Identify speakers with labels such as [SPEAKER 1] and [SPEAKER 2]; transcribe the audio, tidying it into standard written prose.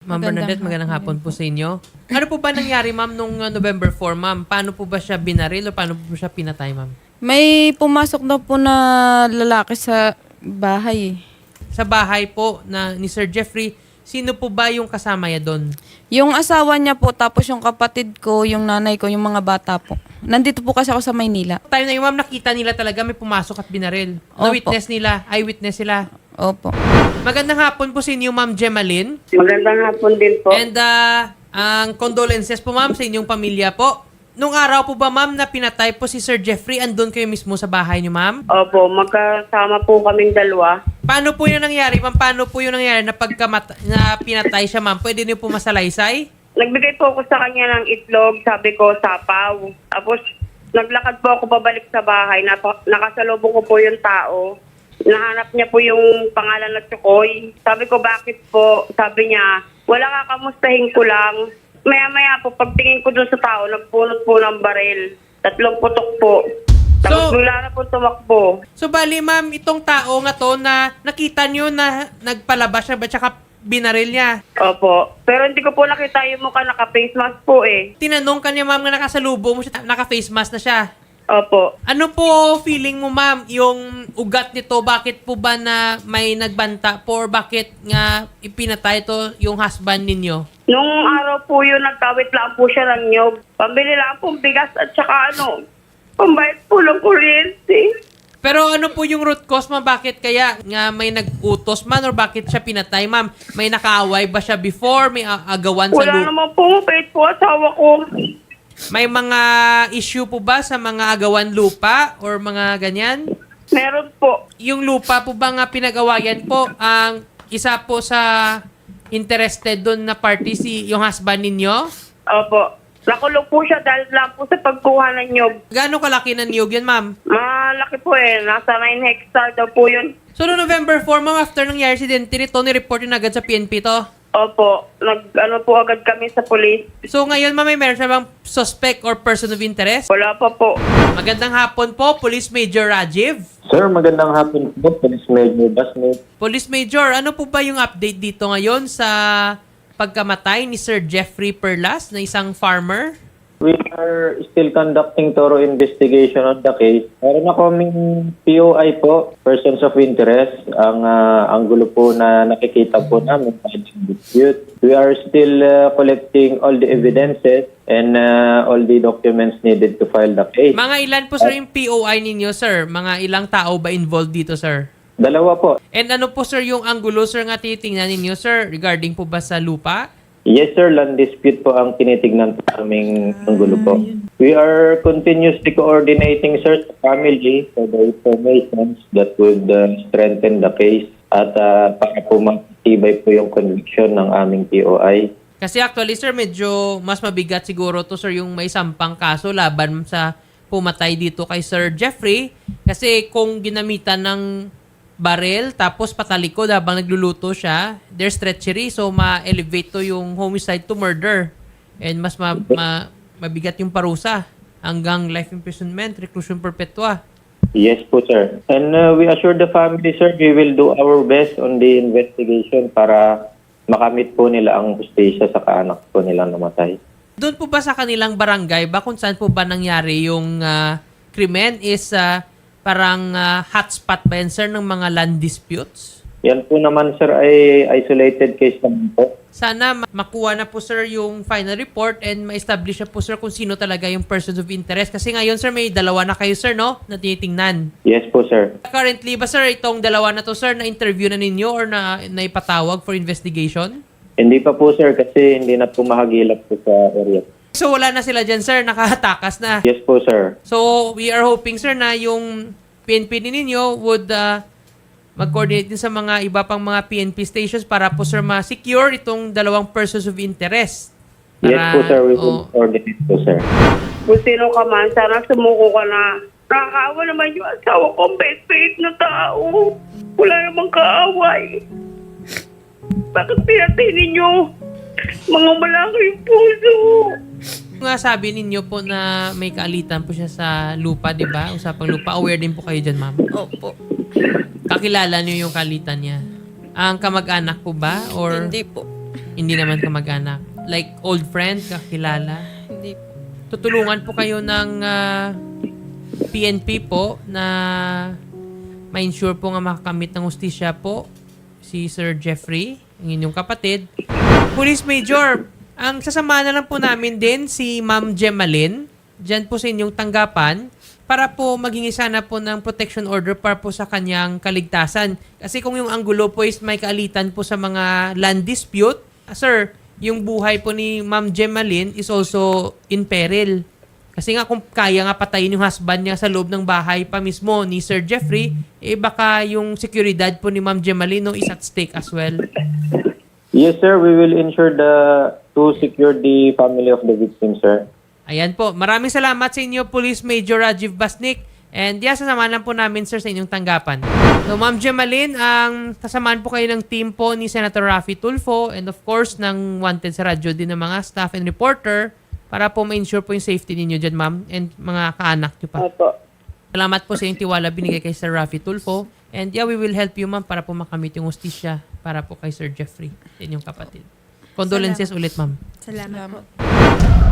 [SPEAKER 1] Ma'am Bernadette, magandang hapon po sa inyo. Ano po ba nangyari, ma'am, nung November 4, ma'am? Paano po ba siya binaril o paano po siya pinatay, ma'am?
[SPEAKER 2] May pumasok daw po na lalaki sa bahay.
[SPEAKER 1] Sa bahay po na ni Sir Jeffrey, sino po ba yung kasama niya doon?
[SPEAKER 2] Yung asawa niya po, tapos yung kapatid ko, yung nanay ko, yung mga bata po. Nandito po kasi ako sa Maynila.
[SPEAKER 1] Time na yung ma'am, nakita nila talaga may pumasok at binaril.
[SPEAKER 2] Opo.
[SPEAKER 1] Na-witness nila, eyewitness sila.
[SPEAKER 2] Opo.
[SPEAKER 1] Magandang hapon po sa inyo, ma'am Gemaline.
[SPEAKER 3] Magandang hapon din po.
[SPEAKER 1] And ang condolences po, ma'am, sa inyong pamilya po. Nung araw po ba, ma'am, na pinatay po si Sir Jeffrey, andun kayo mismo sa bahay niyo, ma'am?
[SPEAKER 3] Opo, magkasama po kaming dalawa.
[SPEAKER 1] Paano po yung nangyari, ma'am? Paano po yung nangyari na na pinatay siya, ma'am? Pwede niyo po masalaysay?
[SPEAKER 3] Nagbigay po ako sa kanya ng itlog, sabi ko, sapaw. Tapos, naglakad po ako pabalik sa bahay. Nakasalubong ko po yung tao. Nahanap niya po yung pangalan na Chukoy. Sabi ko, bakit po? Sabi niya, wala ka, kamustahin ko lang. Maya-maya po, pagtingin ko dun sa tao, nagpunot po ng baril. 3 putok po. Tapos bigla na po tumakbo.
[SPEAKER 1] So, bali, ma'am, itong tao nga to na nakita niyo na nagpalabas siya ba tsaka binaril niya?
[SPEAKER 3] Opo. Pero hindi ko po nakita yung mukha, naka-face mask po eh.
[SPEAKER 1] Tinanong ka niya, ma'am, na nakasalubong mo siya, naka-face mask na siya.
[SPEAKER 3] Opo.
[SPEAKER 1] Ano po feeling mo, ma'am, yung ugat nito? Bakit po ba na may nagbanta po or bakit nga ipinatay ito yung husband ninyo?
[SPEAKER 3] Nung araw po yun, nagkawit lang po siya ng nyog. Pambili lang pong bigas at saka pambayad po ng kuryente.
[SPEAKER 1] Pero ano po yung root cause, ma'am? Bakit kaya nga may nag-utos man or bakit siya pinatay, ma'am? May nakaaway ba siya before? May agawan sa
[SPEAKER 3] Wala naman po, mabait po asawa ko.
[SPEAKER 1] May mga issue po ba sa mga agawan lupa or mga ganyan?
[SPEAKER 3] Meron po.
[SPEAKER 1] Yung lupa po ba nga pinag-awayan po, ang isa po sa interested doon na party yung husband ninyo?
[SPEAKER 3] Opo. Nakulong po siya dahil lang po sa pagkuha ng nyog.
[SPEAKER 1] Gaano kalaki ng niyog yan, ma'am?
[SPEAKER 3] Malaki po eh. Nasa 9 hectare daw po yun.
[SPEAKER 1] So, no November 4, ma'am, after nangyari si Dente nito, ni-report yun agad sa PNP to?
[SPEAKER 3] Opo. Po agad kami sa police.
[SPEAKER 1] So, ngayon, ma'am, may meron siya bang suspect or person of interest?
[SPEAKER 3] Wala pa po.
[SPEAKER 1] Magandang hapon po, Police Major Rajiv.
[SPEAKER 4] Sir, magandang hapon po, Police Major Basmate.
[SPEAKER 1] Police Major, ano po ba yung update dito ngayon sa pagkamatay ni Sir Jeffrey Perlas na isang farmer?
[SPEAKER 4] We are still conducting thorough investigation on the case. Meron na kaming POI po, persons of interest. Ang gulo po na nakikita po namin, dispute. We are still collecting all the evidences and all the documents needed to file the case.
[SPEAKER 1] Mga ilan po, sir, yung POI ninyo, sir? Mga ilang tao ba involved dito, sir?
[SPEAKER 4] 2 po.
[SPEAKER 1] And ano po, sir, yung anggulo, sir, nga titingnan ninyo, sir, regarding po ba sa lupa?
[SPEAKER 4] Yes, sir. Land dispute po ang tinitignan po aming anggulo po. We are continuously coordinating, sir, sa family for the information that would strengthen the case at para po matibay po yung conviction ng aming POI.
[SPEAKER 1] Kasi actually, sir, medyo mas mabigat siguro to, sir, yung may sampang kaso laban sa pumatay dito kay Sir Jeffrey. Kasi kung ginamitan ng baril tapos patalikod habang nagluluto siya, there's treachery. So, ma-elevate to yung homicide to murder. And mas mabigat yung parusa hanggang life imprisonment, reclusion perpetua.
[SPEAKER 4] Yes po, sir. And we assure the family, sir, we will do our best on the investigation para makamit po nila ang hustisya sa kaanak po nilang namatay.
[SPEAKER 1] Doon po ba sa kanilang barangay ba kung saan po ba nangyari yung krimen is parang hotspot ba yan, sir, ng mga land disputes?
[SPEAKER 4] Yan po naman, sir, ay isolated case naman po.
[SPEAKER 1] Sana makuha na po, sir, yung final report and ma-establish na po, sir, kung sino talaga yung persons of interest. Kasi ngayon, sir, may 2 na kayo, sir, no? Na tinitingnan.
[SPEAKER 4] Yes po, sir.
[SPEAKER 1] Currently ba, sir, itong 2 na to, sir, na-interview na ninyo or na ipatawag for investigation?
[SPEAKER 4] Hindi pa po, sir, kasi hindi na po mahagilap po sa area.
[SPEAKER 1] So, wala na sila dyan, sir. Nakatakas na.
[SPEAKER 4] Yes po, sir.
[SPEAKER 1] So, we are hoping, sir, na yung PNP ninyo would mag-coordinate din sa mga iba pang mga PNP stations para po, sir, ma-secure itong 2 persons of interest.
[SPEAKER 4] Yes po, sir. We will coordinate po, sir.
[SPEAKER 3] Kung sino ka man, sana sumuko ka na. Nakakaawa naman yung asawa ko, best na tao. Wala namang kaaway. Bakit pinatay ninyo? Mga malaking puso.
[SPEAKER 1] Nga sabi ninyo po na may kaalitan po siya sa lupa, di ba? Usapang lupa. Aware din po kayo dyan, ma'am.
[SPEAKER 2] Opo.
[SPEAKER 1] Kakilala niyo yung kaalitan niya. Ang kamag-anak po ba? Or
[SPEAKER 2] Hindi po.
[SPEAKER 1] Hindi naman kamag-anak. Like old friend, kakilala.
[SPEAKER 2] Hindi po.
[SPEAKER 1] Tutulungan po kayo ng PNP po na ma-ensure po nga makakamit ng hustisya po si Sir Jeffrey, ang inyong kapatid. Police Major, ang sasama na lang po namin din si Ma'am Gemaline dyan po sa inyong tanggapan para po maghingi sana po ng protection order para po sa kanyang kaligtasan. Kasi kung yung anggulo po is may kaalitan po sa mga land dispute, sir, yung buhay po ni Ma'am Gemaline is also in peril. Kasi nga kung kaya nga patayin yung husband niya sa loob ng bahay pa mismo ni Sir Jeffrey, eh baka yung seguridad po ni Ma'am Gemaline no, is at stake as well.
[SPEAKER 4] Yes, sir. We will ensure to secure the family of the victim, sir.
[SPEAKER 1] Ayan po. Maraming salamat sa inyo, Police Major Rajiv Basnik. And sasamahan lang po namin, sir, sa inyong tanggapan. So, Ma'am Gemaline, sasamahan po kayo ng team po ni Senator Raffy Tulfo and of course, ng Wanted sa radyo din ng mga staff and reporter para po ma-ensure po yung safety ninyo dyan, ma'am, and mga kaanak nyo pa.
[SPEAKER 3] Opo.
[SPEAKER 1] Salamat po sa inyong tiwala binigay kay Sir Raffy Tulfo. And we will help you, ma'am, para po makamit yung hustisya para po kay Sir Jeffrey, sa inyong kapatid. Condolences ulit, ma'am.
[SPEAKER 5] Salamat po.